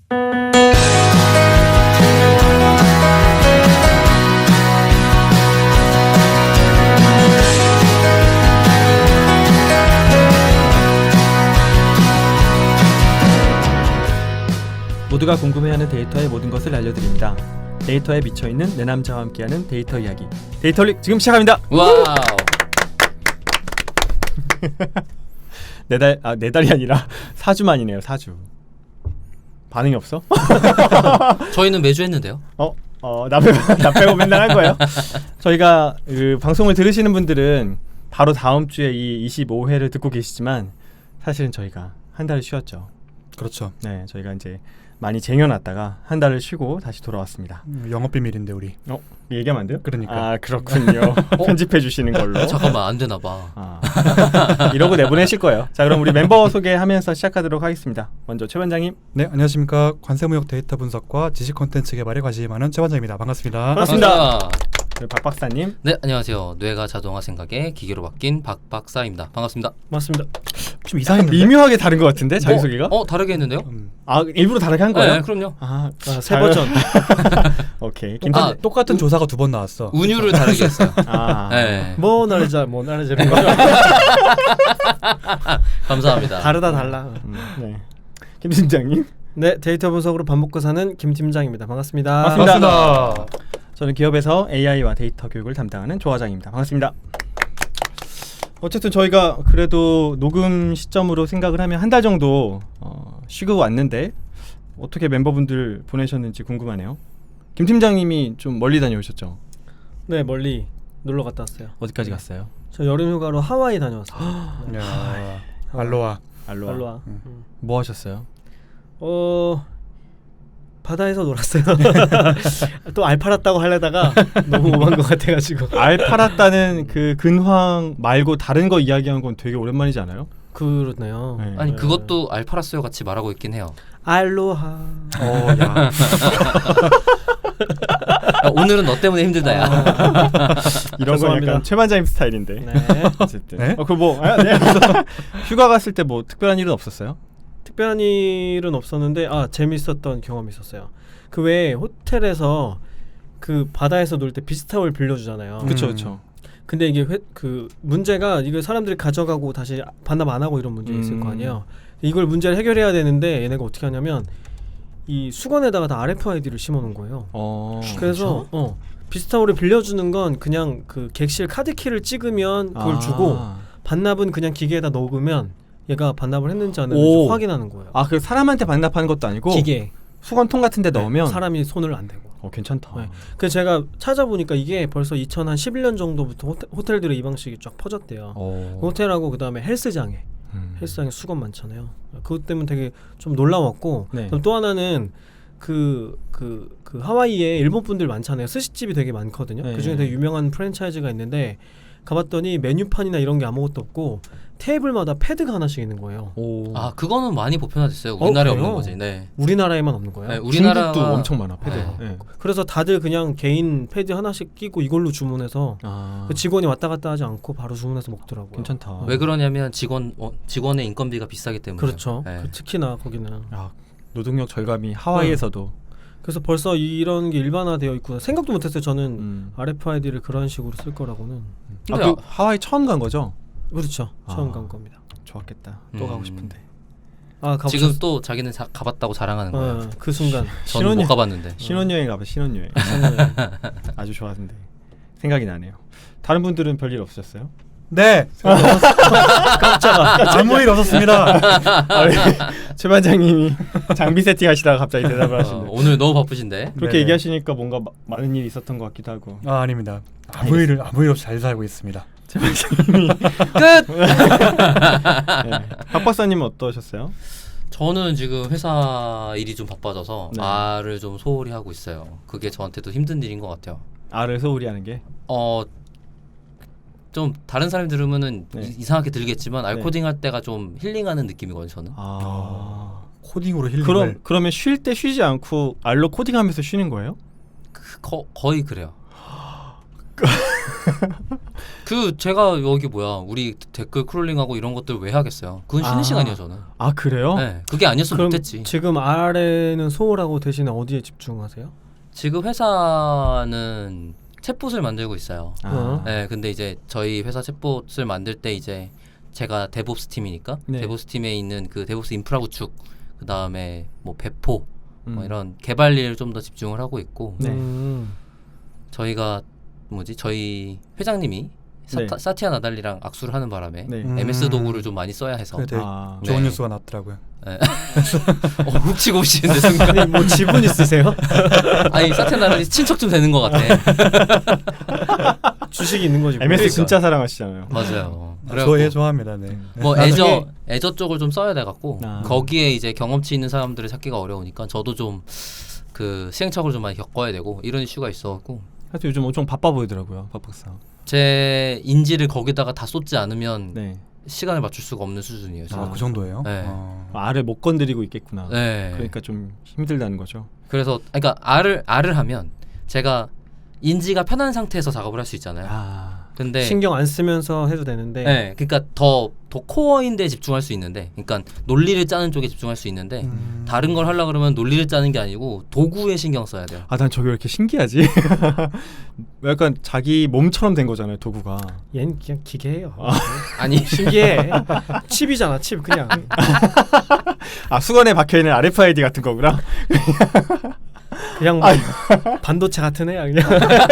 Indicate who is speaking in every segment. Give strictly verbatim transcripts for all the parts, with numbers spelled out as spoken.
Speaker 1: 모두가 궁금해하는 데이터의 모든 것을 알려드립니다. 데이터에 미쳐있는 내 남자와 함께하는 데이터 이야기, 데이터릭 지금 시작합니다.
Speaker 2: 와우.
Speaker 1: 네 달, 아, 네 달이 아니라 사 주 만이네요. 사 주. 반응이 없어?
Speaker 2: 저희는 매주 했는데요.
Speaker 1: 어? 어, 나 빼고, 나 빼고 맨날 한 거예요? 저희가 그 방송을 들으시는 분들은 바로 다음 주에 이 이십오 회를 듣고 계시지만 사실은 저희가 한 달을 쉬었죠.
Speaker 3: 그렇죠.
Speaker 1: 네, 저희가 이제 많이 쟁여놨다가 한 달을 쉬고 다시 돌아왔습니다.
Speaker 3: 음, 영업 비밀인데 우리.
Speaker 1: 어? 얘기하면 안 돼요?
Speaker 3: 그러니까.
Speaker 1: 아, 그렇군요. 편집해 주시는 걸로.
Speaker 2: 잠깐만, 안 되나 봐.
Speaker 1: 아. 이러고 내보내실 거예요. 자, 그럼 우리 멤버 소개하면서 시작하도록 하겠습니다. 먼저 최 반장님.
Speaker 3: 네, 안녕하십니까. 관세무역 데이터 분석과 지식 콘텐츠 개발에 관심이 많은 최 반장입니다. 반갑습니다.
Speaker 1: 반갑습니다. 그리고 박 박사님.
Speaker 2: 네, 안녕하세요. 뇌가 자동화 생각에 기계로 바뀐 박 박사입니다. 반갑습니다.
Speaker 1: 맞습니다.
Speaker 3: 좀 이상했는데.
Speaker 1: 미묘하게 다른 것 같은데 자기소개가?
Speaker 2: 어, 어 다르게 했는데요?
Speaker 3: 음.
Speaker 1: 아, 일부러 다르게 한 거예요?
Speaker 2: 네, 그럼요.
Speaker 1: 아,
Speaker 4: 아, 세 버전.
Speaker 1: 오케이.
Speaker 2: 아,
Speaker 3: 아, 똑같은
Speaker 2: 우,
Speaker 3: 조사가 두 번 나왔어.
Speaker 2: 운율을 다르게 했어요.
Speaker 1: 아,
Speaker 2: 네.
Speaker 4: 뭐 나르자 뭐 나르자 이런 거죠.
Speaker 2: 감사합니다.
Speaker 4: 다르다 달라.
Speaker 1: 음, 네. 김 팀장님.
Speaker 4: 네, 데이터 분석으로 밥 먹고 사는 김 팀장입니다. 반갑습니다.
Speaker 1: 반갑습니다.
Speaker 3: 반갑습니다.
Speaker 1: 저는 기업에서 에이아이와 데이터 교육을 담당하는 조 과장입니다. 반갑습니다. 어쨌든 저희가 그래도 녹음 시점으로 생각을 하면 한 달 정도 어, 쉬고 왔는데 어떻게 멤버분들 보내셨는지 궁금하네요. 김 팀장님이 좀 멀리 다녀오셨죠?
Speaker 4: 네, 멀리 놀러 갔다 왔어요.
Speaker 1: 어디까지 갔어요?
Speaker 4: 저 여름 휴가로 하와이 다녀왔어요. 네.
Speaker 3: 야, 알로아.
Speaker 1: 알로아.
Speaker 4: 알로아.
Speaker 3: 음.
Speaker 4: 음.
Speaker 1: 뭐 하셨어요?
Speaker 4: 어 바다에서 놀았어요. 또 알 팔았다고 하려다가 너무 오만 것 같아가지고.
Speaker 1: 알 팔았다는 그 근황 말고 다른 거 이야기한 건 되게 오랜만이지 않아요?
Speaker 4: 그렇네요.
Speaker 1: 네.
Speaker 2: 아니,
Speaker 4: 네.
Speaker 2: 그것도 알파라스요 같이 말하고 있긴 해요.
Speaker 4: 알로하.
Speaker 1: 어, 야.
Speaker 2: 야, 오늘은 너 때문에 힘들다, 야.
Speaker 1: 이런 건
Speaker 4: 죄송합니다.
Speaker 1: 약간 최 반장님 스타일인데.
Speaker 4: 네.
Speaker 1: 어쨌든.
Speaker 3: 네?
Speaker 1: 어, 그 뭐, 아, 네. 휴가 갔을 때 뭐 특별한 일은 없었어요?
Speaker 4: 특별한 일은 없었는데 아 재밌었던 경험이 있었어요. 그 외에 호텔에서 그 바다에서 놀 때 비스타올 빌려주잖아요.
Speaker 1: 그쵸,
Speaker 3: 음.
Speaker 1: 그쵸.
Speaker 4: 근데 이게 회, 그 문제가 이거 사람들이 가져가고 다시 반납 안 하고 이런 문제 가 있을
Speaker 1: 음.
Speaker 4: 거 아니에요. 이걸 문제를 해결해야 되는데 얘네가 어떻게 하냐면 이 수건에다가 다 알에프아이디를 심어놓은 거예요.
Speaker 1: 어.
Speaker 4: 그래서 어 비스타올을 빌려주는 건 그냥 그 객실 카드키를 찍으면 그걸
Speaker 1: 아.
Speaker 4: 주고 반납은 그냥 기계에다 넣으면 얘가 반납을 했는지 안
Speaker 1: 오.
Speaker 4: 했는지 확인하는 거예요.
Speaker 1: 아, 그 사람한테 반납하는 것도 아니고
Speaker 4: 기계
Speaker 1: 수건통 같은 데 넣으면
Speaker 4: 네, 사람이 손을 안 대고.
Speaker 1: 어, 괜찮다.
Speaker 4: 네. 그래서 제가 찾아보니까 이게 벌써 이천십일 년 정도부터 호텔, 호텔들에 이 방식이 쫙 퍼졌대요.
Speaker 1: 어.
Speaker 4: 호텔하고 그 다음에 헬스장에
Speaker 1: 음.
Speaker 4: 헬스장에 수건 많잖아요. 그것 때문에 되게 좀 놀라웠고
Speaker 1: 네.
Speaker 4: 그럼 또 하나는 그, 그, 그 하와이에 일본 분들 많잖아요. 스시집이 되게 많거든요.
Speaker 1: 네.
Speaker 4: 그 중에 되게 유명한 프랜차이즈가 있는데 가봤더니 메뉴판이나 이런 게 아무것도 없고 테이블마다 패드가 하나씩 있는 거예요.
Speaker 1: 오.
Speaker 2: 아, 그거는 많이 보편화됐어요. 우리나라에
Speaker 4: 그래요?
Speaker 2: 없는 거지. 네.
Speaker 4: 우리나라에만 없는 거예요.
Speaker 2: 네, 우리나라가
Speaker 1: 중국도 엄청 많아, 패드.
Speaker 2: 네.
Speaker 1: 네.
Speaker 4: 그래서 다들 그냥 개인 패드 하나씩 끼고 이걸로 주문해서
Speaker 1: 아.
Speaker 4: 그 직원이 왔다 갔다 하지 않고 바로 주문해서 먹더라고요.
Speaker 1: 괜찮다.
Speaker 2: 왜 그러냐면 직원 어, 직원의 인건비가 비싸기 때문에.
Speaker 4: 그렇죠.
Speaker 2: 네.
Speaker 4: 그 특히나 거기는.
Speaker 1: 야, 노동력 절감이 하와이에서도.
Speaker 4: 그래서 벌써 이런 게 일반화되어 있구나. 생각도 못했어요. 저는
Speaker 1: 음.
Speaker 4: 알에프아이디를 그런 식으로 쓸 거라고는.
Speaker 1: 아,
Speaker 2: 근데
Speaker 1: 그 하와이 처음 간 거죠?
Speaker 4: 그렇죠. 처음
Speaker 1: 아.
Speaker 4: 간 겁니다.
Speaker 1: 좋았겠다. 또
Speaker 2: 음.
Speaker 1: 가고 싶은데.
Speaker 4: 아, 가보셨...
Speaker 2: 지금 또 자기는 자, 가봤다고 자랑하는 거예요.
Speaker 4: 어, 그 순간.
Speaker 2: 저는 못
Speaker 1: 신혼여-
Speaker 2: 가봤는데.
Speaker 1: 신혼여행 가봐. 신혼여행. 아주 좋았는데 생각이 나네요. 다른 분들은 별일 없으셨어요?
Speaker 3: 네.
Speaker 4: 깜짝아.
Speaker 3: 아무 일 없었습니다.
Speaker 1: 최 반장님이 장비 세팅하시다가 갑자기 대답을
Speaker 2: 어,
Speaker 1: 하시는데
Speaker 2: 오늘 너무 바쁘신데.
Speaker 1: 그렇게
Speaker 3: 네네.
Speaker 1: 얘기하시니까 뭔가 마, 많은 일이 있었던 것 같기도 하고.
Speaker 3: 아, 아닙니다. 아무 일을 아무 일 없이 잘 살고 있습니다.
Speaker 1: 최 반장님이
Speaker 2: 끝.
Speaker 1: 네. 박 박사님은 어떠셨어요?
Speaker 2: 저는 지금 회사 일이 좀 바빠져서
Speaker 1: 네.
Speaker 2: 알을 좀 소홀히 하고 있어요. 그게 저한테도 힘든 일인 것 같아요.
Speaker 1: 알을 소홀히 하는 게.
Speaker 2: 어, 좀 다른 사람이 들으면은
Speaker 1: 네.
Speaker 2: 이, 이상하게 들리겠지만 알
Speaker 1: 네.
Speaker 2: 코딩할 때가 좀 힐링하는 느낌이거든요. 저는.
Speaker 1: 아.
Speaker 3: 코딩으로 힐링을.
Speaker 1: 그럼 그러면 쉴 때 쉬지 않고 알로 코딩하면서 쉬는 거예요?
Speaker 2: 그, 거, 거의 그래요. 그 제가 여기 뭐야 우리 댓글 크롤링하고 이런 것들 왜 하겠어요? 그건 쉬는
Speaker 1: 아.
Speaker 2: 시간이에요 저는.
Speaker 1: 아 그래요?
Speaker 2: 네, 그게 아니었으면
Speaker 4: 그럼
Speaker 2: 못했지.
Speaker 4: 지금 R에는 소홀하고 대신에 어디에 집중하세요?
Speaker 2: 지금 회사는 챗봇을 만들고 있어요.
Speaker 1: 아.
Speaker 2: 네, 근데 이제 저희 회사 챗봇을 만들 때 이제 제가 데브옵스 팀이니까
Speaker 1: 네.
Speaker 2: 데브옵스 팀에 있는 그 데브옵스 인프라 구축, 그 다음에 뭐 배포, 뭐
Speaker 1: 음.
Speaker 2: 이런 개발 일을 좀 더 집중을 하고 있고
Speaker 1: 네.
Speaker 4: 음.
Speaker 2: 저희가 뭐지 저희 회장님이 사타,
Speaker 1: 네.
Speaker 2: 사티아 나달리랑 악수를 하는 바람에
Speaker 1: 네.
Speaker 3: 음.
Speaker 2: 엠에스 도구를 좀 많이 써야 해서
Speaker 3: 그래 되게
Speaker 1: 아.
Speaker 3: 좋은
Speaker 2: 네.
Speaker 3: 뉴스가 났더라고요.
Speaker 2: 어, 훔치고 오시는데 순간
Speaker 4: 아니 뭐 지분 있으세요?
Speaker 2: 아니 사티아 나달리 친척 좀 되는 것 같아.
Speaker 4: 주식이 있는 거지. 뭐.
Speaker 1: 엠에스
Speaker 2: 그러니까.
Speaker 1: 진짜 사랑하시잖아요.
Speaker 2: 맞아요.
Speaker 3: 좋아해 좋아합니다. 네.
Speaker 2: 뭐
Speaker 4: 나중에-
Speaker 2: 애저 애저 쪽을 좀 써야 돼 갖고
Speaker 1: 아.
Speaker 2: 거기에 이제 경험치 있는 사람들을 찾기가 어려우니까 저도 좀 그 시행착오를 좀 많이 겪어야 되고 이런 이슈가 있어갖고
Speaker 1: 하여튼 요즘 엄청 바빠 보이더라고요, 박 박사.
Speaker 2: 제 인지를 거기다가 다 쏟지 않으면
Speaker 1: 네.
Speaker 2: 시간을 맞출 수가 없는 수준이에요. 지금.
Speaker 3: 아, 그 정도예요?
Speaker 2: 네.
Speaker 3: 어.
Speaker 1: 알을 못 건드리고 있겠구나.
Speaker 2: 네.
Speaker 1: 그러니까 좀 힘들다는 거죠.
Speaker 2: 그래서 그러니까 R을 R을 하면 제가 인지가 편한 상태에서 작업을 할 수 있잖아요.
Speaker 1: 아.
Speaker 2: 근데
Speaker 4: 신경 안 쓰면서 해도 되는데.
Speaker 2: 네, 그러니까 더 더 코어인데 집중할 수 있는데, 그러니까 논리를 짜는 쪽에 집중할 수 있는데
Speaker 3: 음.
Speaker 2: 다른 걸 하려 그러면 논리를 짜는 게 아니고 도구에 신경 써야 돼요.
Speaker 1: 아, 난 저게 왜 이렇게 신기하지? 약간 자기 몸처럼 된 거잖아요, 도구가.
Speaker 4: 얜 그냥 기계예요.
Speaker 2: 아니
Speaker 4: 신기해. 칩이잖아, 칩 그냥.
Speaker 1: 아, 수건에 박혀 있는 알에프아이디 같은 거구나.
Speaker 4: 그냥 뭐 반도체 같은 애야 그냥.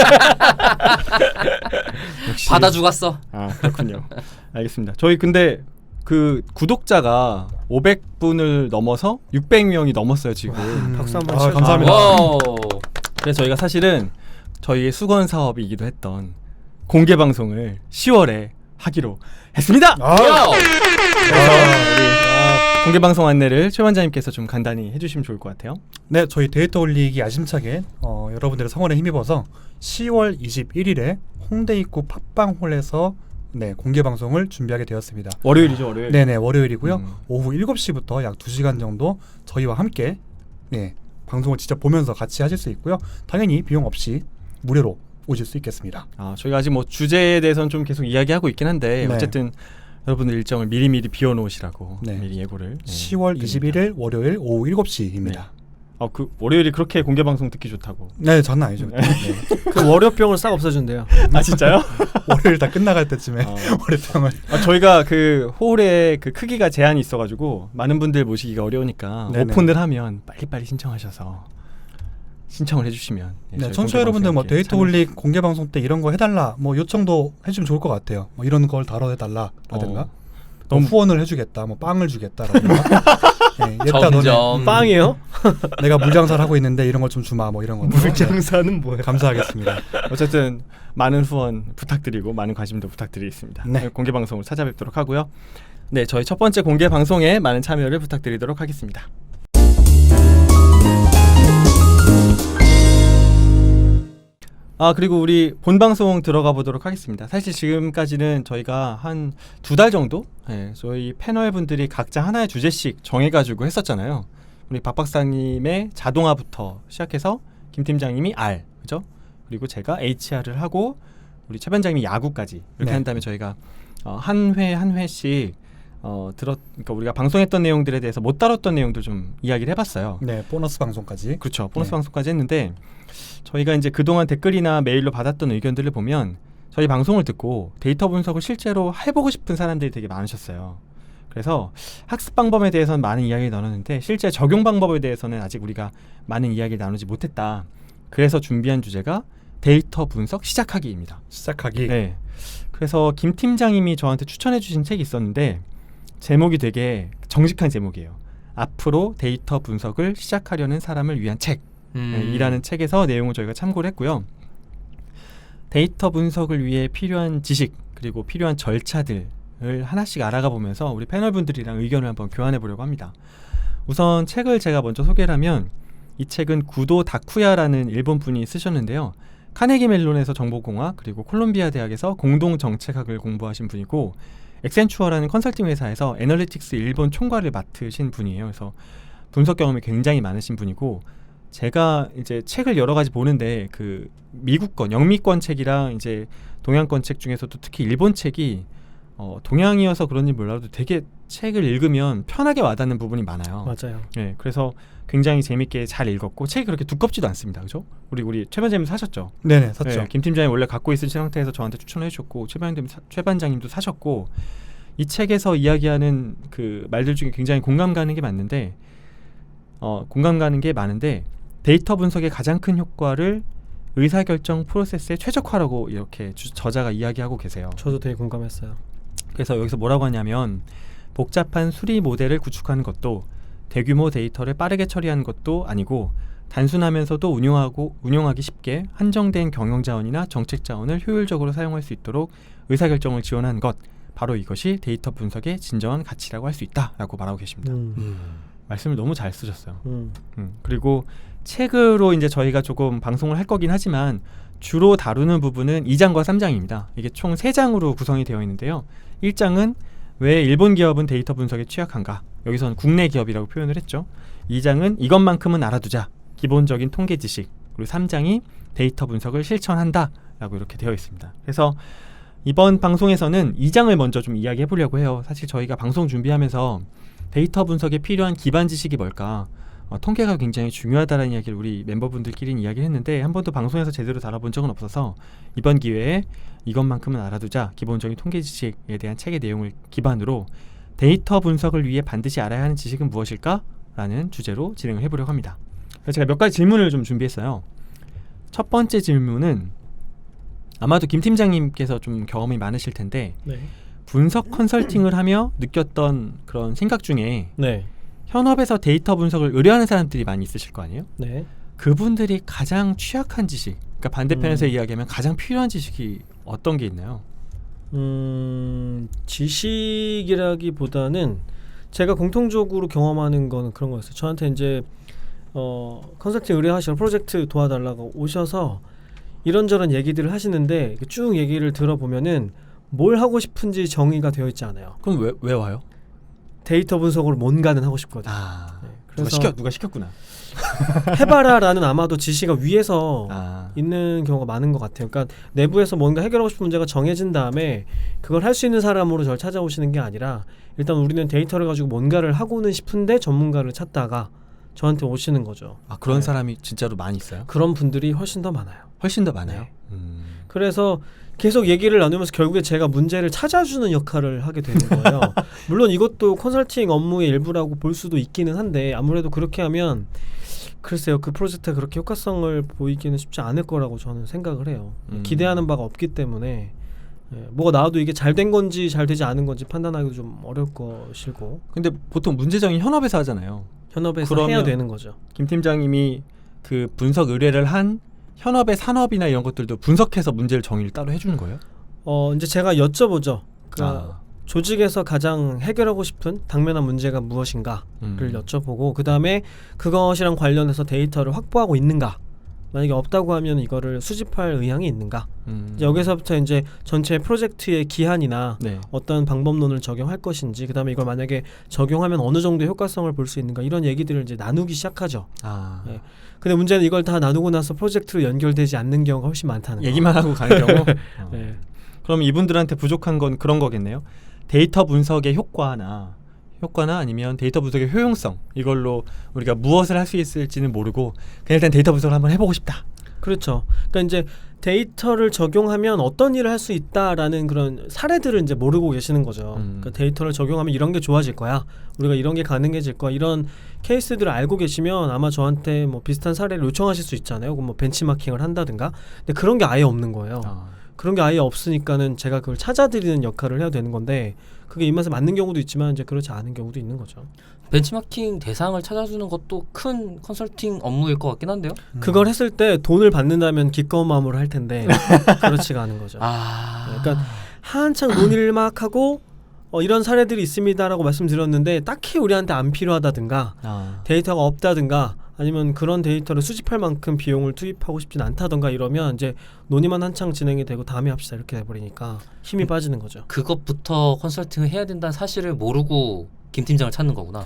Speaker 1: 역시.
Speaker 2: 받아 죽었어.
Speaker 1: 아, 그렇군요. 알겠습니다. 저희 근데 그 구독자가 오백 분을 넘어서 육백 명이 넘었어요, 지금.
Speaker 3: 음.
Speaker 4: 박수 한번
Speaker 3: 아,
Speaker 4: 치워줘.
Speaker 3: 감사합니다.
Speaker 2: 와우.
Speaker 1: 그래서 저희가 사실은 저희의 수건 사업이기도 했던 공개 방송을 시월에 하기로 했습니다.
Speaker 3: 아,
Speaker 2: 와우.
Speaker 1: 그래서 우리 아, 공개 방송 안내를 최 원장님께서 좀 간단히 해주시면 좋을 것 같아요.
Speaker 3: 네, 저희 데이터 올리기 야심차게 어, 여러분들의 성원에 힘입어서 시월 이십일일에 홍대 입구 팟빵홀에서 네, 공개 방송을 준비하게 되었습니다.
Speaker 1: 월요일이죠, 월요일.
Speaker 3: 네네, 월요일이고요.
Speaker 1: 음.
Speaker 3: 오후 일곱 시부터 약 두 시간 정도 저희와 함께 네, 방송을 직접 보면서 같이 하실 수 있고요. 당연히 비용 없이 무료로 오실 수 있겠습니다.
Speaker 1: 아, 저희가 아직 뭐 주제에 대해서는 좀 계속 이야기하고 있긴 한데
Speaker 3: 네.
Speaker 1: 어쨌든 여러분들 일정을 미리미리 비워놓으시라고
Speaker 3: 네.
Speaker 1: 미리 예고를. 네,
Speaker 3: 시월
Speaker 1: 드립니다.
Speaker 3: 이십일일 월요일 오후 일곱 시입니다.
Speaker 1: 아, 그 월요일이 그렇게 공개 방송 듣기 좋다고.
Speaker 3: 네, 장난 아니죠.
Speaker 1: 네.
Speaker 3: 네.
Speaker 4: 그 월요병을 싹 없애준대요.
Speaker 1: 아, 진짜요?
Speaker 3: 월요일 다 끝나갈 때쯤에
Speaker 1: 어.
Speaker 3: 월요병을
Speaker 1: 아, 저희가 그 홀의 그 크기가 제한이 있어가지고 많은 분들 모시기가 어려우니까
Speaker 3: 네네.
Speaker 1: 오픈을 하면 빨리빨리 신청하셔서 신청을 해주시면. 예,
Speaker 3: 네,
Speaker 1: 저희
Speaker 3: 청취자
Speaker 1: 공개
Speaker 3: 여러분들 뭐
Speaker 1: 방송에 이렇게
Speaker 3: 데이터 올리 공개 방송 때 이런 거 해달라 뭐 요청도 해주면 좋을 것 같아요. 뭐 이런 걸 다뤄해달라라든가
Speaker 1: 어.
Speaker 3: 뭐
Speaker 1: 너무-
Speaker 3: 후원을 해주겠다, 뭐 빵을 주겠다라든가. 네, 얘들아 너네
Speaker 2: 점점
Speaker 4: 빵이에요?
Speaker 3: 내가 물장사를 하고 있는데 이런 걸 좀 주마 뭐 이런 거.
Speaker 1: 물장사는 뭐야?
Speaker 3: 감사하겠습니다.
Speaker 1: 어쨌든 많은 후원 부탁드리고 많은 관심도 부탁드리겠습니다.
Speaker 3: 네.
Speaker 1: 공개 방송을 찾아뵙도록 하고요. 네, 저희 첫 번째 공개 방송에 많은 참여를 부탁드리도록 하겠습니다. 아, 그리고 우리 본 방송 들어가 보도록 하겠습니다. 사실 지금까지는 저희가 한 두 달 정도 예, 저희 패널 분들이 각자 하나의 주제씩 정해가지고 했었잖아요. 우리 박 박사님의 자동화부터 시작해서 김 팀장님이 R, 그죠? 그리고 제가 에이치알을 하고 우리 최 반장님이 야구까지 이렇게
Speaker 3: 네.
Speaker 1: 한 다음에 저희가 어, 한 회 한 회씩 어, 들었, 그러니까 우리가 방송했던 내용들에 대해서 못 다뤘던 내용들 좀 이야기를 해봤어요.
Speaker 3: 네, 보너스 방송까지.
Speaker 1: 그렇죠. 보너스
Speaker 3: 네.
Speaker 1: 방송까지 했는데 저희가 이제 그동안 댓글이나 메일로 받았던 의견들을 보면 저희 방송을 듣고 데이터 분석을 실제로 해보고 싶은 사람들이 되게 많으셨어요. 그래서 학습 방법에 대해서는 많은 이야기를 나눴는데 실제 적용 방법에 대해서는 아직 우리가 많은 이야기를 나누지 못했다. 그래서 준비한 주제가 데이터 분석 시작하기입니다.
Speaker 3: 시작하기.
Speaker 1: 네. 그래서 김 팀장님이 저한테 추천해 주신 책이 있었는데 제목이 되게 정직한 제목이에요. 앞으로 데이터 분석을 시작하려는 사람을 위한 책
Speaker 2: 음.
Speaker 1: 네, 이라는 책에서 내용을 저희가 참고를 했고요. 데이터 분석을 위해 필요한 지식 그리고 필요한 절차들을 하나씩 알아가 보면서 우리 패널분들이랑 의견을 한번 교환해 보려고 합니다. 우선 책을 제가 먼저 소개를 하면 이 책은 구도 다쿠야라는 일본 분이 쓰셨는데요. 카네기 멜론에서 정보공학 그리고 콜롬비아 대학에서 공동정책학을 공부하신 분이고 엑센추어라는 컨설팅 회사에서 애널리틱스 일본 총괄을 맡으신 분이에요. 그래서 분석 경험이 굉장히 많으신 분이고 제가 이제 책을 여러 가지 보는데 그 미국권 영미권 책이랑 이제 동양권 책 중에서도 특히 일본 책이 어, 동양이어서 그런지 몰라도 되게 책을 읽으면 편하게 와닿는 부분이 많아요.
Speaker 4: 맞아요.
Speaker 1: 네, 그래서 굉장히 재밌게 잘 읽었고 책이 그렇게 두껍지도 않습니다. 그죠? 우리 우리 최 반장님 사셨죠?
Speaker 3: 네네 샀죠.
Speaker 1: 네, 김 팀장이 원래 갖고 있은 상태에서 저한테 추천해 주셨고 최 반장님 사, 최 반장님도 사셨고 이 책에서 이야기하는 그 말들 중에 굉장히 공감 가는 게 맞는데 어, 공감 가는 게 많은데 데이터 분석의 가장 큰 효과를 의사결정 프로세스의 최적화라고 이렇게 주, 저자가 이야기하고 계세요.
Speaker 4: 저도 되게 공감했어요.
Speaker 1: 그래서 여기서 뭐라고 하냐면 복잡한 수리 모델을 구축하는 것도 대규모 데이터를 빠르게 처리하는 것도 아니고 단순하면서도 운용하고 운용하기 쉽게 한정된 경영 자원이나 정책 자원을 효율적으로 사용할 수 있도록 의사결정을 지원하는 것, 바로 이것이 데이터 분석의 진정한 가치라고 할 수 있다라고 말하고 계십니다.
Speaker 4: 음.
Speaker 2: 음.
Speaker 1: 말씀을 너무 잘 쓰셨어요.
Speaker 4: 음.
Speaker 1: 음, 그리고 책으로 이제 저희가 조금 방송을 할 거긴 하지만 주로 다루는 부분은 이 장과 삼 장입니다. 이게 총 세 장으로 구성이 되어 있는데요. 일 장은 왜 일본 기업은 데이터 분석에 취약한가? 여기서는 국내 기업이라고 표현을 했죠. 이 장은 이것만큼은 알아두자. 기본적인 통계 지식. 그리고 삼 장이 데이터 분석을 실천한다. 라고 이렇게 되어 있습니다. 그래서 이번 방송에서는 이 장을 먼저 좀 이야기해 보려고 해요. 사실 저희가 방송 준비하면서 데이터 분석에 필요한 기반 지식이 뭘까? 어, 통계가 굉장히 중요하다는 이야기를 우리 멤버분들끼리는 이야기를 했는데 한 번도 방송에서 제대로 다뤄본 적은 없어서 이번 기회에 이것만큼은 알아두자 기본적인 통계 지식에 대한 책의 내용을 기반으로 데이터 분석을 위해 반드시 알아야 하는 지식은 무엇일까? 라는 주제로 진행을 해보려고 합니다. 그래서 제가 몇 가지 질문을 좀 준비했어요. 첫 번째 질문은 아마도 김 팀장님께서 좀 경험이 많으실 텐데
Speaker 4: 네.
Speaker 1: 분석 컨설팅을 하며 느꼈던 그런 생각 중에
Speaker 4: 네.
Speaker 1: 현업에서 데이터 분석을 의뢰하는 사람들이 많이 있으실 거 아니에요?
Speaker 4: 네.
Speaker 1: 그분들이 가장 취약한 지식, 그러니까 반대편에서
Speaker 4: 음.
Speaker 1: 이야기하면 가장 필요한 지식이 어떤 게 있나요?
Speaker 4: 음, 지식이라기보다는 제가 공통적으로 경험하는 거는 그런 거였어요. 저한테 이제 어, 컨설팅 의뢰하시러 프로젝트 도와달라고 오셔서 이런저런 얘기들을 하시는데 쭉 얘기를 들어보면은 뭘 하고 싶은지 정의가 되어 있지 않아요.
Speaker 1: 그럼 왜, 왜 와요?
Speaker 4: 데이터 분석으로 뭔가는 하고 싶거든요.
Speaker 1: 아,
Speaker 4: 네,
Speaker 1: 누가
Speaker 4: 그래서
Speaker 1: 시켜 누가 시켰구나.
Speaker 4: 해봐라라는 아마도 지시가 위에서
Speaker 1: 아,
Speaker 4: 있는 경우가 많은 것 같아요. 그러니까 내부에서 뭔가 해결하고 싶은 문제가 정해진 다음에 그걸 할 수 있는 사람으로 저를 찾아오시는 게 아니라 일단 우리는 데이터를 가지고 뭔가를 하고는 싶은데 전문가를 찾다가 저한테 오시는 거죠.
Speaker 1: 아 그런
Speaker 4: 네.
Speaker 1: 사람이 진짜로 많이 있어요?
Speaker 4: 그런 분들이 훨씬 더 많아요.
Speaker 1: 훨씬 더 많아요.
Speaker 4: 네.
Speaker 1: 음.
Speaker 4: 그래서 계속 얘기를 나누면서 결국에 제가 문제를 찾아주는 역할을 하게 되는 거예요. 물론 이것도 컨설팅 업무의 일부라고 볼 수도 있기는 한데 아무래도 그렇게 하면 글쎄요, 그 프로젝트가 그렇게 효과성을 보이기는 쉽지 않을 거라고 저는 생각을 해요.
Speaker 1: 음.
Speaker 4: 기대하는 바가 없기 때문에 예, 뭐가 나와도 이게 잘 된 건지 잘 되지 않은 건지 판단하기도 좀 어려울 것이고
Speaker 1: 근데 보통 문제정이 현업에서 하잖아요.
Speaker 4: 현업에서
Speaker 1: 그러면-
Speaker 4: 해야 되는 거죠.
Speaker 1: 김 팀장님이 그 분석 의뢰를 한 현업의 산업이나 이런 것들도 분석해서 문제를 정의를 따로 해주는 거예요?
Speaker 4: 어 이제 제가 여쭤보죠. 그
Speaker 1: 아,
Speaker 4: 조직에서 가장 해결하고 싶은 당면한 문제가 무엇인가를
Speaker 1: 음.
Speaker 4: 여쭤보고 그 다음에 그것이랑 관련해서 데이터를 확보하고 있는가, 만약에 없다고 하면 이거를 수집할 의향이 있는가.
Speaker 1: 음.
Speaker 4: 이제 여기서부터 이제 전체 프로젝트의 기한이나
Speaker 1: 네.
Speaker 4: 어떤 방법론을 적용할 것인지, 그 다음에 이걸 만약에 적용하면 어느 정도의 효과성을 볼 수 있는가, 이런 얘기들을 이제 나누기 시작하죠.
Speaker 1: 아,
Speaker 4: 네. 근데 문제는 이걸 다 나누고 나서 프로젝트로 연결되지 않는 경우가 훨씬 많다는 거.
Speaker 1: 얘기만 하고 가는 경우. 어.
Speaker 4: 네.
Speaker 1: 그럼 이분들한테 부족한 건 그런 거겠네요. 데이터 분석의 효과나 효과나 아니면 데이터 분석의 효용성, 이걸로 우리가 무엇을 할 수 있을지는 모르고 그냥 일단 데이터 분석을 한번 해보고 싶다.
Speaker 4: 그렇죠. 그러니까 이제 데이터를 적용하면 어떤 일을 할 수 있다라는 그런 사례들을 이제 모르고 계시는 거죠.
Speaker 1: 음.
Speaker 4: 그러니까 데이터를 적용하면 이런 게 좋아질 거야, 우리가 이런 게 가능해질 거야, 이런 케이스들을 알고 계시면 아마 저한테 뭐 비슷한 사례를 요청하실 수 있잖아요. 그럼 뭐 벤치마킹을 한다든가. 근데 그런 게 아예 없는 거예요.
Speaker 1: 아.
Speaker 4: 그런 게 아예 없으니까는 제가 그걸 찾아드리는 역할을 해야 되는 건데, 그게 입맛에 맞는 경우도 있지만 이제 그렇지 않은 경우도 있는 거죠.
Speaker 2: 벤치마킹 대상을 찾아주는 것도 큰 컨설팅 업무일 것 같긴 한데요.
Speaker 3: 음.
Speaker 4: 그걸 했을 때 돈을 받는다면 기꺼운 마음으로 할 텐데 그렇지가 않은 거죠.
Speaker 2: 아,
Speaker 4: 그러니까 한창 논의를 막 하고 어, 이런 사례들이 있습니다라고 말씀드렸는데 딱히 우리한테 안 필요하다든가
Speaker 1: 아.
Speaker 4: 데이터가 없다든가 아니면 그런 데이터를 수집할 만큼 비용을 투입하고 싶진 않다던가 이러면 이제 논의만 한창 진행이 되고 다음에 합시다 이렇게 돼버리니까 힘이 빠지는 거죠.
Speaker 2: 그것부터 컨설팅을 해야 된다는 사실을 모르고 김 팀장을 찾는 거구나.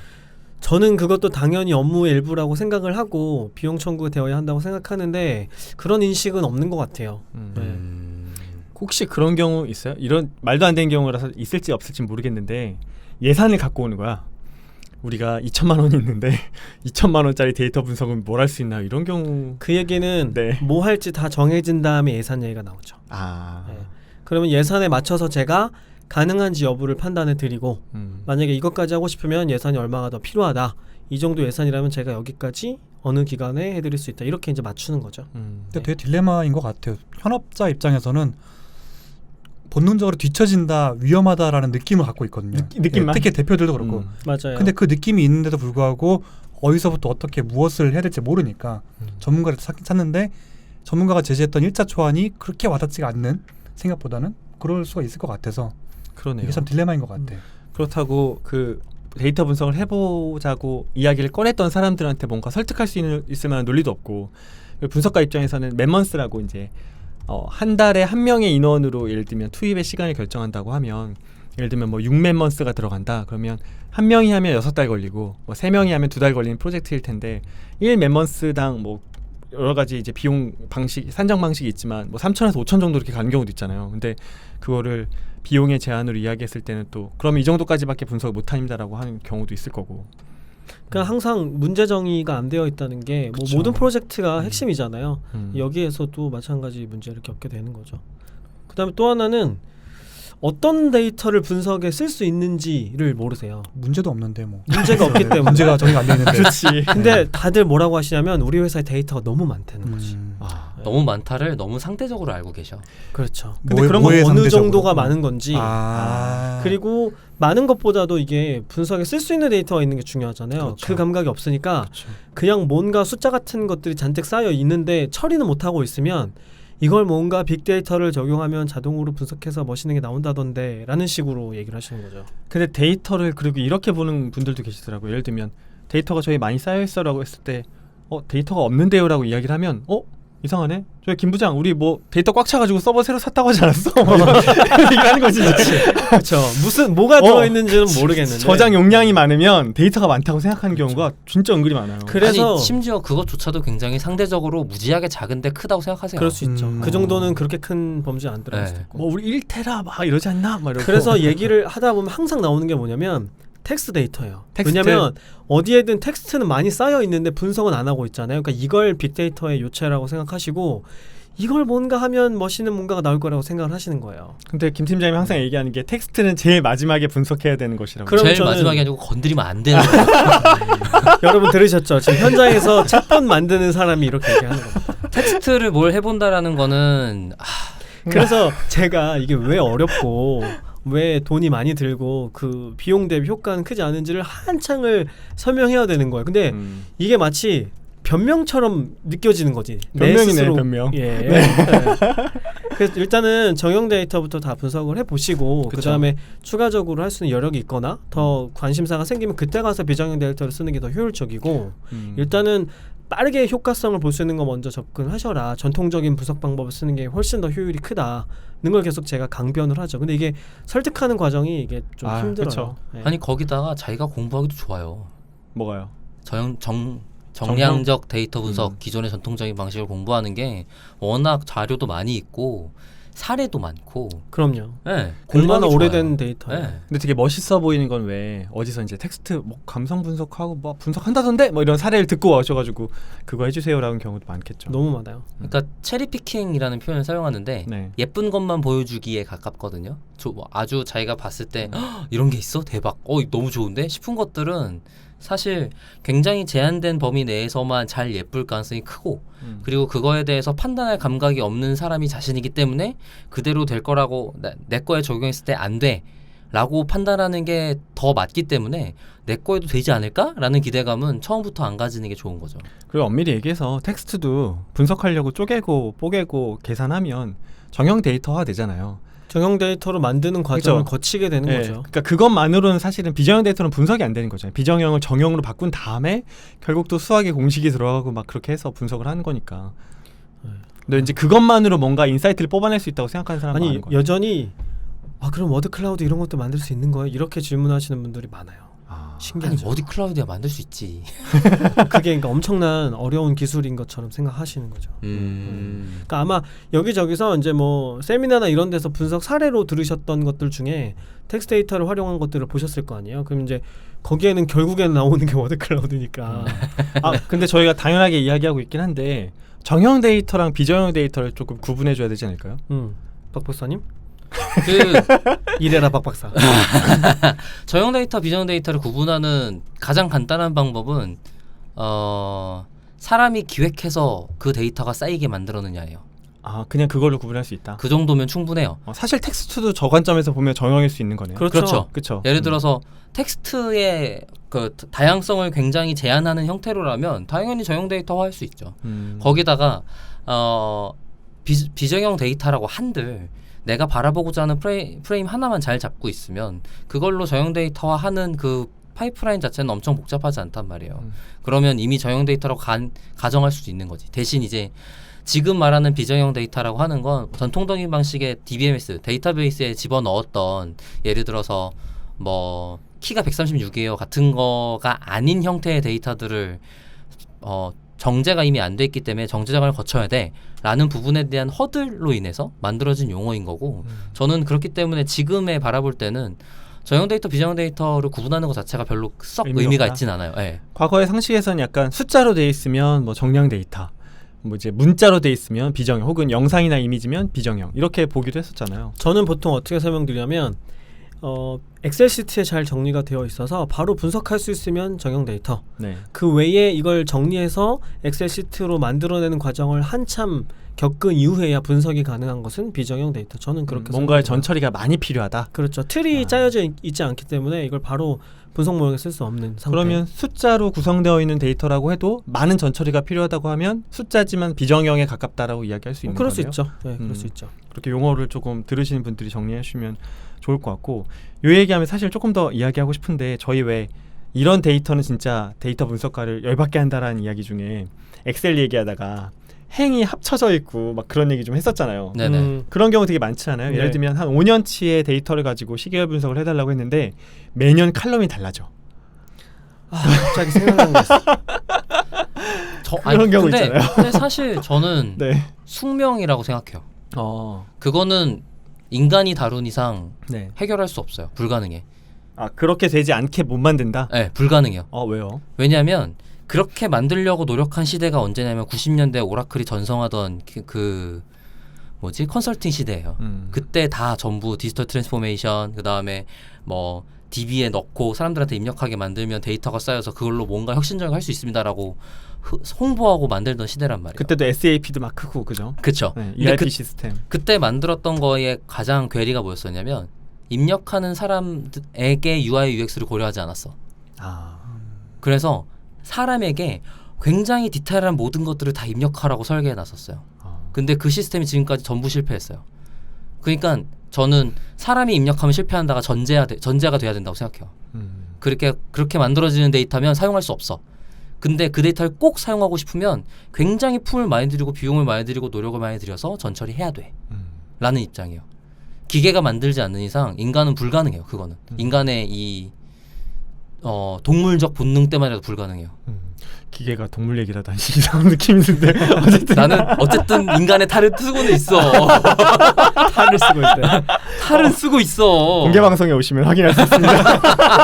Speaker 4: 저는 그것도 당연히 업무의 일부라고 생각을 하고 비용 청구가 되어야 한다고 생각하는데 그런 인식은 없는 것 같아요.
Speaker 1: 음.
Speaker 4: 네.
Speaker 2: 음.
Speaker 1: 혹시 그런 경우 있어요? 이런 말도 안 되는 경우라서 있을지 없을지 모르겠는데 예산을 갖고 오는 거야. 우리가 이천만 원이 있는데 이천만 원짜리 데이터 분석은 뭘 할 수 있나 이런 경우.
Speaker 4: 그 얘기는
Speaker 1: 네.
Speaker 4: 뭐 할지 다 정해진 다음에 예산 얘기가 나오죠.
Speaker 1: 아,
Speaker 4: 네. 그러면 예산에 맞춰서 제가 가능한지 여부를 판단해 드리고
Speaker 1: 음.
Speaker 4: 만약에 이것까지 하고 싶으면 예산이 얼마가 더 필요하다. 이 정도 예산이라면 제가 여기까지 어느 기간에 해드릴 수 있다. 이렇게 이제 맞추는 거죠.
Speaker 1: 음.
Speaker 3: 근데 되게 딜레마인 것 같아요. 현업자 입장에서는 본능적으로 뒤처진다, 위험하다라는 느낌을 갖고 있거든요.
Speaker 1: 느- 느낌만?
Speaker 3: 예, 특히 대표들도 그렇고.
Speaker 1: 음.
Speaker 4: 맞아요.
Speaker 3: 근데 그 느낌이 있는데도 불구하고 어디서부터 어떻게 무엇을 해야 될지 모르니까
Speaker 1: 음.
Speaker 3: 전문가를 찾- 찾는데 전문가가 제시했던 일자 초안이 그렇게 와닿지가 않는 생각보다는 그럴 수가 있을 것 같아서
Speaker 1: 그러네요.
Speaker 3: 이게 참 딜레마인 것 같아요.
Speaker 1: 그렇다고 그 데이터 분석을 해보자고 이야기를 꺼냈던 사람들한테 뭔가 설득할 수 있는, 있을 만한 논리도 없고 그 분석가 입장에서는 맨먼스라고 이제 어, 한 달에 한 명의 인원으로 예를 들면 투입의 시간을 결정한다고 하면 예를 들면 뭐 육 맨먼스가 들어간다 그러면 한 명이 하면 여섯 달 걸리고 뭐 세 명이 하면 두 달 걸리는 프로젝트일 텐데 일 맨먼스당 뭐 여러 가지 이제 비용 방식 산정 방식이 있지만 뭐 삼천에서 오천 정도 이렇게 가는 경우도 있잖아요. 근데 그거를 비용의 제한으로 이야기했을 때는 또 그러면 이 정도까지밖에 분석을 못합니다라고 하는 경우도 있을 거고.
Speaker 4: 그러니까 항상 문제 정의가 안 되어 있다는 게 뭐
Speaker 1: 그쵸.
Speaker 4: 모든 프로젝트가
Speaker 1: 음.
Speaker 4: 핵심이잖아요.
Speaker 1: 음.
Speaker 4: 여기에서도 마찬가지 문제를 겪게 되는 거죠. 그다음에 또 하나는 어떤 데이터를 분석에 쓸 수 있는지를 모르세요.
Speaker 3: 문제도 없는데 뭐
Speaker 4: 문제가 없기 때문에.
Speaker 3: 문제가 정리가 안 돼 있는데.
Speaker 1: 그렇지.
Speaker 4: 근데 다들 뭐라고 하시냐면 우리 회사에 데이터가 너무 많다는 거지.
Speaker 3: 음.
Speaker 1: 아,
Speaker 2: 너무 많다를 너무 상대적으로 알고 계셔.
Speaker 4: 그렇죠.
Speaker 1: 근데
Speaker 3: 뭐에-
Speaker 1: 그런
Speaker 3: 뭐에
Speaker 4: 어느
Speaker 3: 상대적으로?
Speaker 4: 정도가 많은 건지
Speaker 3: 아.
Speaker 4: 그리고 많은 것보다도 이게 분석에 쓸 수 있는 데이터가 있는 게 중요하잖아요.
Speaker 1: 그렇죠.
Speaker 4: 그 감각이 없으니까
Speaker 1: 그렇죠.
Speaker 4: 그냥 뭔가 숫자 같은 것들이 잔뜩 쌓여 있는데 처리는 못하고 있으면 이걸 뭔가 빅데이터를 적용하면 자동으로 분석해서 멋있는 게 나온다던데 라는 식으로 얘기를 하시는 거죠.
Speaker 1: 근데 데이터를 그리고 이렇게 보는 분들도 계시더라고요. 예를 들면 데이터가 저희 많이 쌓여 있어라고 했을 때 어 데이터가 없는데요라고 이야기를 하면 어 이상하네. 저희 김 부장 우리 뭐 데이터 꽉 차가지고 서버 새로 샀다고 하지 않았어? 뭐 이런 얘기를 하는 거지.
Speaker 4: 그렇죠. 무슨 뭐가
Speaker 1: 어,
Speaker 4: 들어있는지는 모르겠는데
Speaker 1: 저장 용량이 많으면 데이터가 많다고 생각하는 경우가 진짜 은근히 많아요.
Speaker 4: 그래서
Speaker 2: 아니, 심지어 그것조차도 굉장히 상대적으로 무지하게 작은데 크다고 생각하세요.
Speaker 4: 그럴 수 있죠.
Speaker 3: 음.
Speaker 4: 그 정도는 그렇게 큰 범죄 안 들어갈
Speaker 2: 네.
Speaker 4: 수도 있고.
Speaker 1: 뭐 우리 일 테라 막 이러지 않나? 막 이러고.
Speaker 4: 그래서 얘기를 하다 보면 항상 나오는 게 뭐냐면 텍스트 데이터예요.
Speaker 1: 텍스트.
Speaker 4: 왜냐면 어디에든 텍스트는 많이 쌓여 있는데 분석은 안 하고 있잖아요. 그러니까 이걸 빅데이터의 요체라고 생각하시고 이걸 뭔가 하면 멋있는 뭔가가 나올 거라고 생각을 하시는 거예요.
Speaker 1: 근데 김 팀장님이 항상 얘기하는 게 텍스트는 제일 마지막에 분석해야 되는 것이라고.
Speaker 4: 그럼
Speaker 2: 제일
Speaker 4: 저는-
Speaker 2: 마지막이 아니고 건드리면 안 되는 거예요.
Speaker 4: 여러분 들으셨죠? 지금 현장에서 챗봇 만드는 사람이 이렇게 얘기하는 겁니다.
Speaker 2: 텍스트를 뭘 해본다라는 거는 아,
Speaker 4: 그래서 제가 이게 왜 어렵고 왜 돈이 많이 들고 그 비용 대비 효과는 크지 않은지를 한창을 설명해야 되는 거예요. 근데
Speaker 1: 음.
Speaker 4: 이게 마치 변명처럼 느껴지는 거지. 내
Speaker 1: 변명이네,
Speaker 4: 스스로.
Speaker 1: 변명.
Speaker 4: 예. 네. 그래서 일단은 정형 데이터부터 다 분석을 해보시고 그
Speaker 1: 그쵸.
Speaker 4: 다음에 추가적으로 할 수 있는 여력이 있거나 더 관심사가 생기면 그때 가서 비정형 데이터를 쓰는 게 더 효율적이고
Speaker 1: 음.
Speaker 4: 일단은 빠르게 효과성을 볼 수 있는 거 먼저 접근하셔라. 전통적인 분석 방법을 쓰는 게 훨씬 더 효율이 크다는 걸 계속 제가 강변을 하죠. 근데 이게 설득하는 과정이 이게 좀
Speaker 1: 아,
Speaker 4: 힘들어요.
Speaker 1: 그쵸.
Speaker 4: 예.
Speaker 2: 아니 거기다가 자기가 공부하기도 좋아요.
Speaker 1: 뭐가요?
Speaker 2: 정, 정 정량적 데이터 분석
Speaker 1: 음.
Speaker 2: 기존의 전통적인 방식을 공부하는 게 워낙 자료도 많이 있고 사례도 많고
Speaker 4: 그럼요.
Speaker 2: 네,
Speaker 4: 얼마나
Speaker 2: 공부하기
Speaker 4: 오래된
Speaker 2: 좋아요.
Speaker 4: 데이터예요.
Speaker 2: 네.
Speaker 1: 근데 되게 멋있어 보이는 건 왜 어디서 이제 텍스트 뭐 감성 분석하고 뭐 분석한다던데 뭐 이런 사례를 듣고 와셔가지고 그거 해주세요라는 경우도 많겠죠.
Speaker 4: 너무 많아요.
Speaker 2: 그러니까 체리 피킹이라는 표현을 사용하는데
Speaker 1: 네.
Speaker 2: 예쁜 것만 보여주기에 가깝거든요. 저, 뭐 아주 자기가 봤을 때 "헉, 이런 게 있어? 대박. 어 너무 좋은데? 싶은 것들은 사실 굉장히 제한된 범위 내에서만 잘 예쁠 가능성이 크고
Speaker 1: 음.
Speaker 2: 그리고 그거에 대해서 판단할 감각이 없는 사람이 자신이기 때문에 그대로 될 거라고 나, 내 거에 적용했을 때 안 돼 라고 판단하는 게 더 맞기 때문에 내 거에도 되지 않을까? 라는 기대감은 처음부터 안 가지는 게 좋은 거죠.
Speaker 1: 그리고 엄밀히 얘기해서 텍스트도 분석하려고 쪼개고 뽀개고 계산하면 정형 데이터화 되잖아요.
Speaker 4: 정형 데이터로 만드는 과정을
Speaker 1: 그쵸.
Speaker 4: 거치게 되는
Speaker 1: 네,
Speaker 4: 거죠.
Speaker 1: 그러니까 그것만으로는 사실은 비정형 데이터는 분석이 안 되는 거잖아요. 비정형을 정형으로 바꾼 다음에 결국 또 수학의 공식이 들어가고 막 그렇게 해서 분석을 하는 거니까.
Speaker 4: 네.
Speaker 1: 근데 이제 그것만으로 뭔가 인사이트를 뽑아낼 수 있다고 생각하는 사람은
Speaker 4: 아니
Speaker 1: 많은 거예요.
Speaker 4: 여전히 아 그럼 워드 클라우드 이런 것도 만들 수 있는 거예요? 이렇게 질문하시는 분들이 많아요.
Speaker 1: 아,
Speaker 2: 아니
Speaker 4: 신기하죠.
Speaker 2: 어디 클라우드야 만들 수 있지.
Speaker 4: 그게 그러니까 엄청난 어려운 기술인 것처럼 생각하시는 거죠.
Speaker 2: 음.
Speaker 4: 그러니까 아마 여기저기서 이제 뭐 세미나나 이런 데서 분석 사례로 들으셨던 것들 중에 텍스트 데이터를 활용한 것들을 보셨을 거 아니에요. 그럼 이제 거기에는 결국에는 나오는 게 워드 클라우드니까.
Speaker 1: 아 근데 저희가 당연하게 이야기하고 있긴 한데 정형 데이터랑 비정형 데이터를 조금 구분해 줘야 되지 않을까요?
Speaker 4: 음, 박 박사님
Speaker 2: 그
Speaker 4: 이래라 박 박사.
Speaker 2: 저형 데이터, 비정 데이터를 구분하는 가장 간단한 방법은 어, 사람이 기획해서 그 데이터가 쌓이게 만들었느냐예요.
Speaker 1: 아 그냥 그걸로 구분할 수 있다.
Speaker 2: 그 정도면 충분해요.
Speaker 1: 어, 사실 텍스트도 저 관점에서 보면 정형일 수 있는 거네요.
Speaker 4: 그렇죠.
Speaker 2: 그렇죠.
Speaker 1: 그렇죠.
Speaker 2: 예를 들어서 텍스트의 그 다양성을 굉장히 제한하는 형태로라면 당연히 저형 데이터화할 수 있죠.
Speaker 1: 음.
Speaker 2: 거기다가 어, 비, 비정형 데이터라고 한들 내가 바라보고자 하는 프레임, 프레임 하나만 잘 잡고 있으면 그걸로 저형 데이터화하는 그 파이프라인 자체는 엄청 복잡하지 않단 말이에요.
Speaker 1: 음.
Speaker 2: 그러면 이미 저형 데이터라고 간, 가정할 수도 있는 거지. 대신 이제 지금 말하는 비정형 데이터라고 하는 건 전통적인 방식의 디비엠에스 데이터베이스에 집어넣었던 예를 들어서 뭐 키가 백삼십육이에요 같은 거가 아닌 형태의 데이터들을 어, 정제가 이미 안 돼 있기 때문에 정제 작업을 거쳐야 돼 라는 부분에 대한 허들로 인해서 만들어진 용어인 거고
Speaker 1: 음.
Speaker 2: 저는 그렇기 때문에 지금에 바라볼 때는 저형 데이터, 비정형 데이터를 구분하는 것 자체가 별로 썩
Speaker 1: 의미가
Speaker 2: 의미가
Speaker 1: 없다?
Speaker 2: 있진 않아요. 예.
Speaker 1: 과거의 상식에서는 약간 숫자로 돼 있으면 뭐 정량 데이터, 뭐 이제 문자로 돼 있으면 비정형, 혹은 영상이나 이미지면 비정형 이렇게 보기도 했었잖아요.
Speaker 4: 저는 보통 어떻게 설명드리냐면 어, 엑셀 시트에 잘 정리가 되어 있어서 바로 분석할 수 있으면 정형 데이터.
Speaker 1: 네.
Speaker 4: 그 외에 이걸 정리해서 엑셀 시트로 만들어내는 과정을 한참 겪은 이후에야 분석이 가능한 것은 비정형 데이터. 저는 그렇게
Speaker 1: 음, 뭔가의
Speaker 4: 생각해요.
Speaker 1: 전처리가 많이 필요하다.
Speaker 4: 그렇죠. 틀이
Speaker 1: 아.
Speaker 4: 짜여져 있, 있지 않기 때문에 이걸 바로 분석 모형에 쓸 수 없는 상태.
Speaker 1: 그러면 숫자로 구성되어 있는 데이터라고 해도 많은 전처리가 필요하다고 하면 숫자지만 비정형에 가깝다라고 이야기할 수
Speaker 4: 어,
Speaker 1: 있는
Speaker 4: 그럴
Speaker 1: 거네요.
Speaker 4: 수 있죠. 네, 그럴
Speaker 1: 음.
Speaker 4: 수 있죠.
Speaker 1: 그렇게 용어를 조금 들으시는 분들이 정리해 주시면 좋을 것 같고, 요 얘기하면 사실 조금 더 이야기하고 싶은데 저희 왜 이런 데이터는 진짜 데이터 분석가를 열받게 한다라는 이야기 중에 엑셀 얘기하다가 행이 합쳐져 있고 막 그런 얘기 좀 했었잖아요.
Speaker 2: 네네.
Speaker 4: 음,
Speaker 1: 그런 경우 되게 많잖아요.
Speaker 4: 네.
Speaker 1: 예를 들면 한 오 년치의 데이터를 가지고 시계열 분석을 해달라고 했는데 매년 칼럼이 달라져.
Speaker 4: 아, 갑자기 생각나는 게 있어.
Speaker 2: 저,
Speaker 1: 그런 경우
Speaker 2: 근데,
Speaker 1: 있잖아요.
Speaker 2: 근데 사실 저는
Speaker 1: 네.
Speaker 2: 숙명이라고 생각해요.
Speaker 1: 어.
Speaker 2: 그거는 인간이 다룬 이상
Speaker 1: 네.
Speaker 2: 해결할 수 없어요. 불가능해.
Speaker 1: 아 그렇게 되지 않게 못 만든다.
Speaker 2: 네, 불가능해요.
Speaker 1: 어 왜요?
Speaker 2: 왜냐하면 그렇게 만들려고 노력한 시대가 언제냐면 구십 년대 오라클이 전성하던 그, 그 뭐지 컨설팅 시대예요.
Speaker 1: 음.
Speaker 2: 그때 다 전부 디지털 트랜스포메이션 그 다음에 뭐 디비에 넣고 사람들한테 입력하게 만들면 데이터가 쌓여서 그걸로 뭔가 혁신적인 할 수 있습니다라고 흐, 홍보하고 만들던 시대란 말이에요.
Speaker 1: 그때도 에스에이피도 막 크고 그죠?
Speaker 2: 그쵸.
Speaker 1: 네,
Speaker 2: 근데
Speaker 1: 이알피
Speaker 2: 그,
Speaker 1: 시스템.
Speaker 2: 그때 만들었던 거에 가장 괴리가 뭐였었냐면 입력하는 사람에게 유아이 유엑스를 고려하지 않았어.
Speaker 1: 아.
Speaker 2: 그래서 사람에게 굉장히 디테일한 모든 것들을 다 입력하라고 설계해 놨었어요.
Speaker 1: 어.
Speaker 2: 근데 그 시스템이 지금까지 전부 실패했어요. 그러니까 저는 사람이 입력하면 실패한다가 전제가, 돼, 전제가 돼야 된다고 생각해요.
Speaker 1: 음.
Speaker 2: 그렇게 그렇게 만들어지는 데이터면 사용할 수 없어. 근데 그 데이터를 꼭 사용하고 싶으면 굉장히 품을 많이 들이고 비용을 많이 들이고 노력을 많이 들여서 전처리해야 돼.
Speaker 1: 음.
Speaker 2: 라는 입장이에요. 기계가 만들지 않는 이상 인간은 불가능해요. 그거는.
Speaker 1: 음.
Speaker 2: 인간의 이 어, 동물적 본능 때문에라도 불가능해요.
Speaker 1: 음. 기계가 동물 얘기라도 하시 이상한 느낌이 드는데 어쨌든
Speaker 2: 나는 어쨌든 인간의 탈을 쓰고는 있어.
Speaker 4: 탈을 쓰고 있어요.
Speaker 2: 탈은 쓰고 있어.
Speaker 1: 공개 방송에 오시면 확인할 수 있습니다.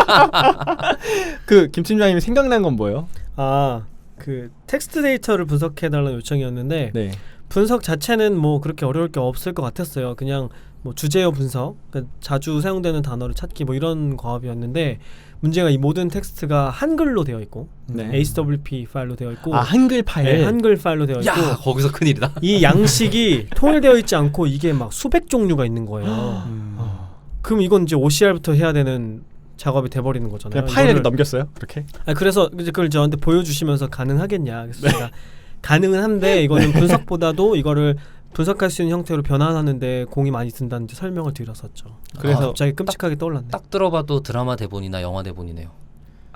Speaker 1: 그 김 팀장님이 생각난 건 뭐예요?
Speaker 4: 아, 그 텍스트 데이터를 분석해달라는 요청이었는데
Speaker 1: 네.
Speaker 4: 분석 자체는 뭐 그렇게 어려울 게 없을 것 같았어요. 그냥 뭐 주제어 분석, 그러니까 자주 사용되는 단어를 찾기 뭐 이런 과업이었는데 문제가 이 모든 텍스트가 한글로 되어 있고
Speaker 1: 네.
Speaker 4: 에이스더블유피 파일로 되어 있고
Speaker 1: 아 한글 파일.
Speaker 4: 네, 한글 파일로 되어 있고
Speaker 2: 야 거기서 큰일이다.
Speaker 4: 이 양식이 통일되어 있지 않고 이게 막 수백 종류가 있는 거예요.
Speaker 3: 음.
Speaker 1: 어.
Speaker 4: 그럼 이건 이제 오씨알부터 해야 되는 작업이 돼버리는 거잖아요.
Speaker 1: 그냥 파일을
Speaker 4: 이거를-
Speaker 1: 넘겼어요? 그렇게?
Speaker 4: 아니, 그래서 이제 그걸 저한테 보여주시면서 가능하겠냐. 그래서 제가 가능은 한데 이거는 분석보다도 이거를 분석할 수 있는 형태로 변환하는데 공이 많이 든다는 이제 설명을 드렸었죠.
Speaker 1: 그래서
Speaker 4: 아, 갑자기 끔찍하게 떠올랐네.
Speaker 2: 딱 들어봐도 드라마 대본이나 영화 대본이네요.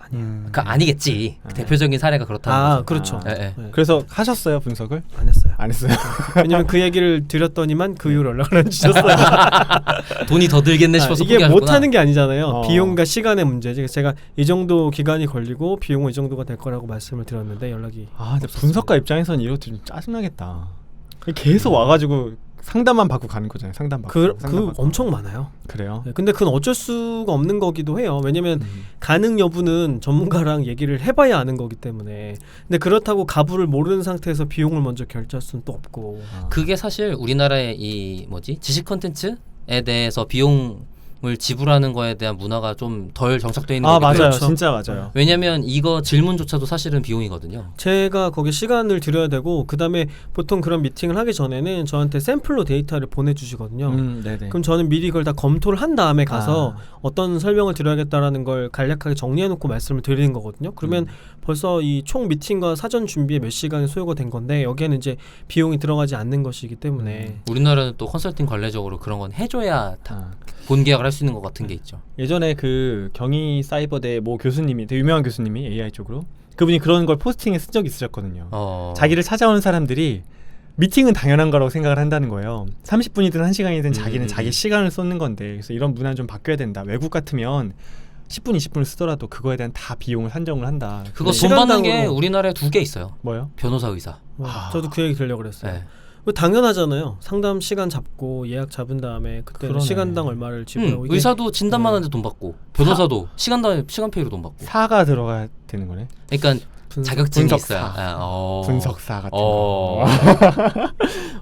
Speaker 1: 아니에요.
Speaker 3: 음.
Speaker 2: 그 아니겠지.
Speaker 1: 아.
Speaker 2: 대표적인 사례가 그렇다는
Speaker 4: 아
Speaker 2: 거죠.
Speaker 4: 그렇죠.
Speaker 2: 예, 예.
Speaker 4: 네.
Speaker 1: 그래서 하셨어요 분석을?
Speaker 4: 안 했어요.
Speaker 1: 안 했어요.
Speaker 4: 왜냐면 그 얘기를 드렸더니만 그 이후로 연락을 안 주셨어요.
Speaker 2: 돈이 더 들겠네
Speaker 4: 아,
Speaker 2: 싶어서
Speaker 4: 이게
Speaker 2: 포기하셨구나.
Speaker 4: 못하는 게 아니잖아요.
Speaker 1: 어.
Speaker 4: 비용과 시간의 문제지. 제가 이 정도 기간이 걸리고 비용은 이 정도가 될 거라고 말씀을 드렸는데 연락이
Speaker 1: 아, 근데 분석가 입장에서는 이것도 좀 짜증나겠다. 계속 와가지고 상담만 받고 가는 거잖아요. 상담 받고.
Speaker 4: 그,
Speaker 1: 상담
Speaker 4: 그
Speaker 1: 받고.
Speaker 4: 엄청 많아요.
Speaker 1: 그래요.
Speaker 4: 네, 근데 그건 어쩔 수가 없는 거기도 해요. 왜냐면
Speaker 1: 음.
Speaker 4: 가능 여부는 전문가랑 얘기를 해봐야 아는 거기 때문에. 근데 그렇다고 가부를 모르는 상태에서 비용을 먼저 결제할 수는 또 없고.
Speaker 1: 아.
Speaker 2: 그게 사실 우리나라의 이 뭐지 지식 컨텐츠에 대해서 비용을 지불하는 거에 대한 문화가 좀 덜 정착되어 있는
Speaker 1: 아
Speaker 2: 거기
Speaker 1: 맞아요.
Speaker 2: 때문에.
Speaker 4: 그렇죠.
Speaker 1: 진짜 맞아요.
Speaker 2: 왜냐면 이거 질문조차도 사실은 비용이거든요.
Speaker 4: 제가 거기 시간을 들여야 되고 그 다음에 보통 그런 미팅을 하기 전에는 저한테 샘플로 데이터를 보내주시거든요.
Speaker 1: 음, 네네.
Speaker 4: 그럼 저는 미리 그걸 다 검토를 한 다음에 가서
Speaker 1: 아.
Speaker 4: 어떤 설명을 드려야겠다라는 걸 간략하게 정리해놓고 말씀을 드리는 거거든요. 그러면
Speaker 1: 음.
Speaker 4: 벌써 이 총 미팅과 사전 준비에 몇 시간이 소요가 된 건데 여기에는 이제 비용이 들어가지 않는 것이기 때문에
Speaker 2: 우리나라는 또 컨설팅 관례적으로 그런 건 해줘야 다
Speaker 1: 아.
Speaker 2: 본계약을 할 수 있는 것 같은 게 있죠.
Speaker 1: 예전에 그 경희 사이버대 모 교수님이 되게 유명한 교수님이 에이아이 쪽으로 그분이 그런 걸 포스팅에 쓴 적이 있으셨거든요.
Speaker 2: 어.
Speaker 1: 자기를 찾아오는 사람들이 미팅은 당연한 거라고 생각을 한다는 거예요. 삼십 분이든 한 시간이든 자기는
Speaker 2: 음.
Speaker 1: 자기 시간을 쏟는 건데 그래서 이런 문화는 좀 바뀌어야 된다. 외국 같으면 십 분, 이십 분을 쓰더라도 그거에 대한 다 비용을 산정을 한다.
Speaker 2: 그거
Speaker 1: 근데
Speaker 2: 돈 받는 게
Speaker 4: 시간당으로-
Speaker 2: 우리나라에 두 개 있어요.
Speaker 1: 뭐요?
Speaker 2: 변호사 의사.
Speaker 4: 어,
Speaker 1: 아.
Speaker 4: 저도 그 얘기 들려고 그랬어요.
Speaker 2: 네.
Speaker 4: 그 당연하잖아요. 상담 시간 잡고 예약 잡은 다음에 그때는
Speaker 1: 그러네.
Speaker 4: 시간당 얼마를 지불하고
Speaker 2: 음,
Speaker 4: 이게
Speaker 2: 의사도 진단만
Speaker 4: 네.
Speaker 2: 하는데 돈 받고 변호사도 시간당 시간페이로 돈 받고.
Speaker 1: 사가 들어가야 되는 거네.
Speaker 2: 그러니까
Speaker 4: 분석-
Speaker 2: 자격증이
Speaker 1: 분석사.
Speaker 2: 있어야. 아, 어.
Speaker 1: 분석사 같은
Speaker 2: 어.
Speaker 1: 거.